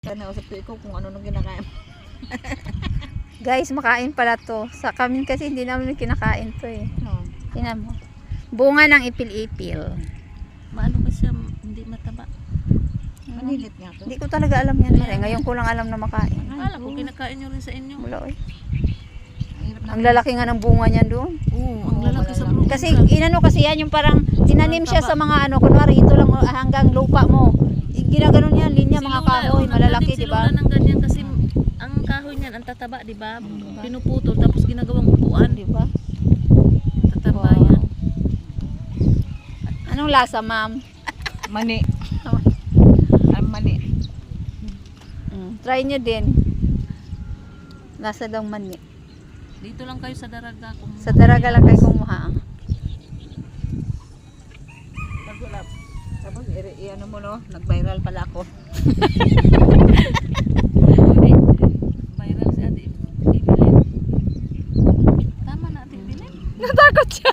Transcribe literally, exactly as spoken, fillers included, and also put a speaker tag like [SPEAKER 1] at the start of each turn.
[SPEAKER 1] Nausap ko ikaw kung ano nung kinakain.
[SPEAKER 2] Guys, makain pala to. Sa kami kasi hindi namin kinakain to eh.
[SPEAKER 1] No.
[SPEAKER 2] Tingnan mo. Bunga ng ipil-ipil.
[SPEAKER 3] Maano ba siya, hindi mataba?
[SPEAKER 1] Manilit nga to.
[SPEAKER 2] Hindi ko talaga alam yan. Mare. Ngayon ko lang alam na makain.
[SPEAKER 3] Akala ko kinakain nyo rin sa inyo.
[SPEAKER 2] Wala eh.
[SPEAKER 1] Ang hirap na.
[SPEAKER 2] Ang lalaki nga ng bunga niyan doon.
[SPEAKER 3] Oo, ang
[SPEAKER 1] Oo,
[SPEAKER 3] lalaki sa
[SPEAKER 1] malalaki.
[SPEAKER 3] bro.
[SPEAKER 2] Kasi inano kasi yan yung parang tinanim siya sa mga ano. Kunwari ito lang hanggang lupa mo. Ginaganon yan. Linya mga kahoy. Malalaki, di ba?
[SPEAKER 3] Silula ng ganyan kasi ang kahoy niyan, ang tataba, di ba? Pinuputol, tapos ginagawang upuan.
[SPEAKER 2] Di ba?
[SPEAKER 3] Tataba
[SPEAKER 2] Wow.
[SPEAKER 3] yan.
[SPEAKER 2] Anong lasa, ma'am?
[SPEAKER 1] Mani. Ang mani.
[SPEAKER 2] Mm, try nyo din. Lasa daw mani.
[SPEAKER 3] Dito lang kayo sa Daraga. Kung
[SPEAKER 2] Sa Daraga lang kayo kumuha.
[SPEAKER 1] Pag wala. Tapos i- i- ano mo no, nag-viral pala ako.
[SPEAKER 3] Hindi. Viral si Ate Ibilin. Tama na Ate Ibilin.
[SPEAKER 2] Natakot siya.